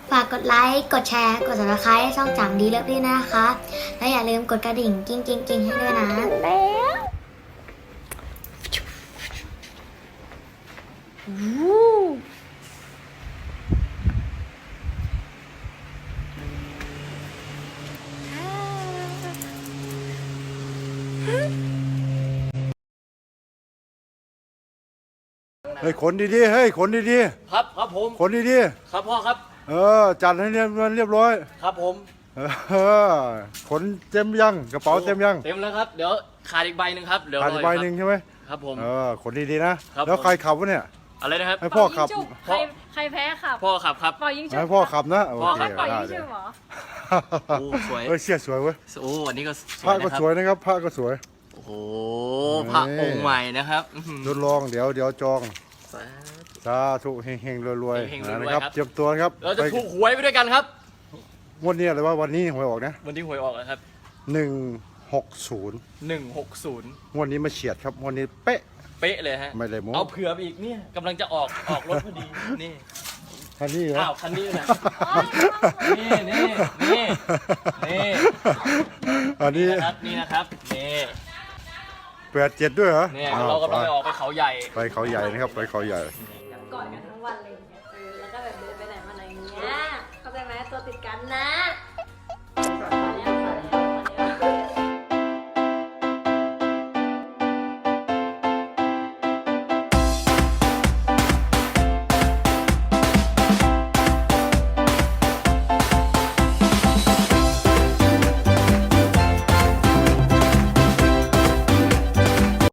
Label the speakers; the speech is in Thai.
Speaker 1: ฝากกดไลค์กดแชร์กด subscribe ให้ช่องจังดีเลิฟด้วยนะคะและอย่าลืมกดกระดิ่งกิ้งให้ด้วยนะ
Speaker 2: เฮ้ยขนดีๆเฮ้ยขนดี
Speaker 3: ครับครับผม
Speaker 2: ๆขนดี
Speaker 3: ครับพ่อครับ
Speaker 2: จัดให้เรียบร้อย
Speaker 3: ครับผม
Speaker 2: ขนเต็มยังกระเป๋าเต็มยัง
Speaker 3: เต็มแล้วครับเดี๋ยวขาดอีกใบหนึ่งครับเดี๋ยว
Speaker 2: ขาดอีกใบหนึ่งใช่ไหม
Speaker 3: ครับผม
Speaker 2: ขนดีๆนะครับแล้วใครขับวะเนี่ย
Speaker 3: อะไรนะครับ
Speaker 2: ให้พ่อขับ
Speaker 4: ใครแพ้ขับ
Speaker 3: พ่อขับครับ
Speaker 4: เป่ายิงฉุบ
Speaker 2: ให้พ่อขับนะโอเค
Speaker 4: เป่ายิงฉุบเหรอ
Speaker 3: โอ้สวย
Speaker 2: เสื้อสวยเว้ย
Speaker 3: โอ้วันนี้ก็
Speaker 2: ผ้าก็สวยนะครับผ้าก็สวย
Speaker 3: โอ้โหพระองค์ใหม่นะครับ
Speaker 2: ทดลองเดี๋ยวจองสาธุเฮงๆรวยๆนะครับเตรียมตัวครับ
Speaker 3: เราจะถูกหวยไปด้วยกันครับ
Speaker 2: วันนี้อะไรวะวันนี้หวยออกนะ
Speaker 3: วันที่หวยออกนะครับ
Speaker 2: 160วันนี้มาเฉียดครับวันนี้เป๊ะ
Speaker 3: เลยฮะ
Speaker 2: ไม่เลยโม้
Speaker 3: เอาเผื่อไปอีกเนี่ยกำลังจะออกรถพอดีนี่
Speaker 2: คันนี้เหรอ
Speaker 3: อ้าวคันนี้นะนี่
Speaker 2: อันนี้
Speaker 3: นี่นะครับนี่
Speaker 2: 87ด้วยเหรอ
Speaker 3: เนี่ยเรากำลังไปออกไปเขาใหญ่
Speaker 2: ไปเขาใหญ่นะครับไปเขาใหญ่
Speaker 4: กอดกันทั้งวันเลยแล้วก็แบบเดินไปไหนมาไหนอย่างเงี้ยเข้าใจไหมตัวติดกันนะ